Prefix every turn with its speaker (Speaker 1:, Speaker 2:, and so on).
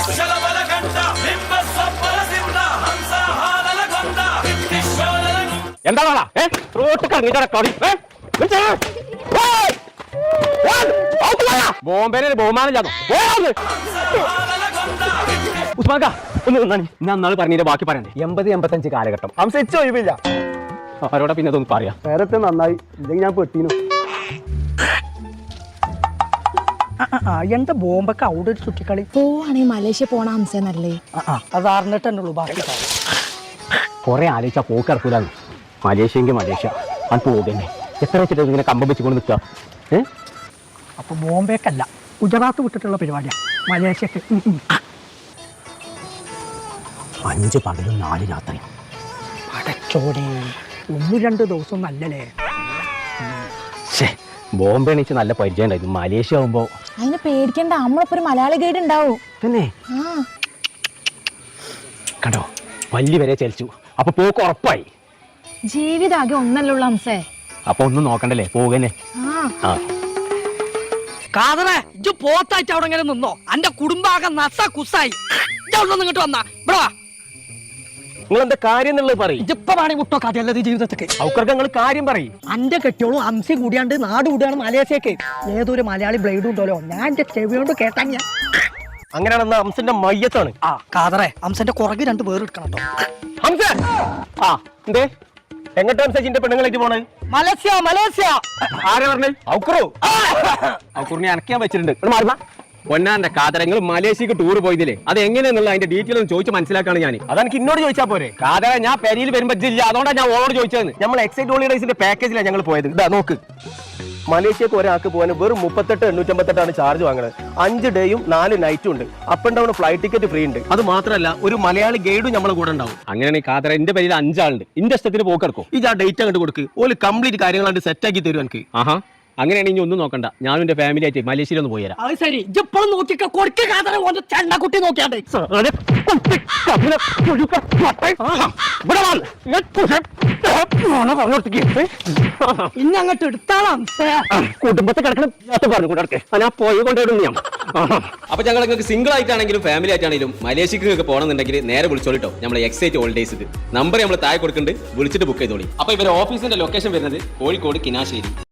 Speaker 1: എന്താ റോട്ട് ബോംബെ ബഹുമാനം ഉസ്മാക്ക ഒന്ന് നിന്നാണ് ഞാൻ നാളെ പറഞ്ഞതിന്റെ ബാക്കി പറയണ്ടേ 80-85 കാലഘട്ടം സംശയിച്ച ഒഴിവില്ല അവരോടെ പിന്നെ അതൊന്നും പറയാം
Speaker 2: നേരത്തെ നന്നായി ഇല്ലെങ്കിൽ ഞാൻ പെട്ടീനു എന്താ ബോംബൊക്കെ അവിടെ ഒരു ചുറ്റിക്കളി
Speaker 3: പോവാണെങ്കിൽ മലേഷ്യ പോണ ഹംസനല്ലേ
Speaker 2: അത് അറിഞ്ഞിട്ട് തന്നെ ഉള്ളൂ ബാക്കി
Speaker 1: കുറെ ആലോചിച്ചാ പോക്ക് ഇറക്കൂലെന്ന് മലേഷ്യയെങ്കിൽ മലേഷ്യ അത് പോകുന്നേ എത്ര വെച്ചിട്ട് ഇങ്ങനെ കമ്പം വെച്ചുകൊണ്ട് നിൽക്കുക
Speaker 2: അപ്പൊ ബോംബേക്കല്ല ഗുജറാത്ത് വിട്ടിട്ടുള്ള പരിപാടിയാണ് മലേഷ്യക്ക്
Speaker 1: 5 പകലും 4 രാത്രി
Speaker 2: പടച്ചോടെ 1-2 ദിവസം നല്ലല്ലേ
Speaker 1: ബോംബെ എണീച്ച് നല്ല പരിചയം ഉണ്ടായിരുന്നു മലേഷ്യ ആവുമ്പോ
Speaker 3: അതിന് പേടിക്കണ്ട നമ്മളൊപ്പം ഒരു മലയാളി ഗൈഡ് ഉണ്ടാവും
Speaker 1: തന്നെ കണ്ടോ പല്ലി വരെ ചലിച്ചു അപ്പൊ പോക്ക് ഉറപ്പായി
Speaker 3: ജീവിതാകെ ഒന്നല്ലുള്ള ഹംസേ
Speaker 1: അപ്പൊ ഒന്നും നോക്കണ്ടല്ലേ പോകുന്നേ
Speaker 2: കാതറേ ഇജ്ജ് പോത്തായിട്ട് അവിടെ ഇങ്ങനെ നിന്നോ അന്റെ കുടുംബാകെ നസ കുസായി ഇങ്ങോട്ട് വന്നാ ഇവിടെ
Speaker 1: നിങ്ങൾ എന്താ കാര്യം എന്നുള്ളത് പറയും
Speaker 2: ഇജ്ജിപ്പ വേണേ മുട്ടോ കഥയല്ലത് ജീവിതത്തിക്ക്
Speaker 1: അവർക്ക് നിങ്ങൾ കാര്യം പറയും
Speaker 2: അന്റെ കെട്ടിയോളും അംസി കൂടിയാണ്ട് നാട് കൂടിയാണ് മലേഷ്യക്ക് ഏതൊരു മലയാളി ബ്ലേഡ് ഉണ്ടല്ലോ ഞാൻ എന്റെ ചെവിയോണ്ട് കേട്ടാ ഞാൻ
Speaker 1: അങ്ങനെയാണെന്ന അംസന്റെ മയ്യത്താണ്
Speaker 2: കാതറേ അംസന്റെ കുറക് 2 പേര് എടുക്കണം കേട്ടോ
Speaker 1: ഹംസ എന്തേ എങ്ങോട്ട് ഹംസിന്റെ പെണ്ണുങ്ങളായിട്ട് പോണേ
Speaker 2: മലേഷ്യ
Speaker 1: ആരെ പറഞ്ഞേ ഔക്കുറിനെ അനക്കാൻ വെച്ചിട്ടുണ്ട് മാറുന്ന പൊന്നാന്റെ കാതരങ്ങൾ മലേഷ്യക്ക് ടൂർ പോയതില്ലേ അത് എങ്ങനെയാന്നുള്ള അതിന്റെ ഡീറ്റെയിൽ ഒന്ന് ചോദിച്ച് മനസ്സിലാക്കാണ് ഞാൻ അതെനിക്ക് ഇന്നോട് ചോദിച്ചാൽ പോരെ കാതര ഞാൻ പെരിയിൽ വരുമ്പോ ഇല്ല അതുകൊണ്ടാണ് ഞാൻ ഓളോട് ചോദിച്ചത് നമ്മൾ എക്സൈറ്റ് ഹോളിഡേസിന്റെ പാക്കേജിലാണ് ഞങ്ങൾ പോയത് ഇതാ നോക്ക് മലേഷ്യക്ക് ഒരാൾക്ക് പോകാൻ വെറും 38,858 ചാർജ് വാങ്ങുന്നത് 5 ഡേയും 4 നൈറ്റും ഉണ്ട് up and down flight ticket free ഉണ്ട് അത് മാത്രമല്ല ഒരു മലയാളി ഗൈഡും നമ്മളെ കൂടെ ഉണ്ടാവും അങ്ങനെയാണെങ്കിൽ കാതര എന്റെ പേരിൽ 5 ആളുണ്ട് ഇന്റെ ഇഷ്ടത്തിന് പോക്കെടുക്കും ഇത് ആ ഡേറ്റ് അങ്ങോട്ട് കൊടുക്ക് ഓല് കംപ്ലീറ്റ് കാര്യങ്ങളാണ്ട് സെറ്റ് ആക്കി തരും എനിക്ക് അങ്ങനെയാണെങ്കിൽ ഒന്നും നോക്കണ്ട ഞാനും എന്റെ ഫാമിലി ആയിട്ട് മലേഷ്യയിൽ ഒന്ന് പോയി തരാം
Speaker 2: അത് ശരി ഇപ്പോഴും നോക്കിക്കോ കൊടുക്ക കാതറ ചെണ്ടക്കുട്ടി നോക്കിയാണ്ട് ഇനി അങ്ങോട്ട് എടുത്താളാം
Speaker 1: കുടുംബത്തെ കിടക്കണം പറഞ്ഞു കൂടെ ഞാൻ പോയി കൊണ്ടുവരുന്നു ഞാൻ അപ്പൊ ഞങ്ങൾ നിങ്ങൾക്ക് സിംഗിൾ ആയിട്ടാണെങ്കിലും ഫാമിലി ആയിട്ടാണെങ്കിലും മലേഷ്യക്ക് പോകണമെന്നുണ്ടെങ്കിൽ നേരെ വിളിച്ചോളിട്ടോ നമ്മളെ എക്സൈറ്റ് ഹോളിഡേയ്സ് നമ്പർ നമ്മൾ താഴെ കൊടുക്കുന്നുണ്ട് വിളിച്ചിട്ട് ബുക്ക് ചെയ്തോളി അപ്പൊ ഇവരെ ഓഫീസിന്റെ ലൊക്കേഷൻ വരുന്നത് കോഴിക്കോട് കിനാശ്ശേരി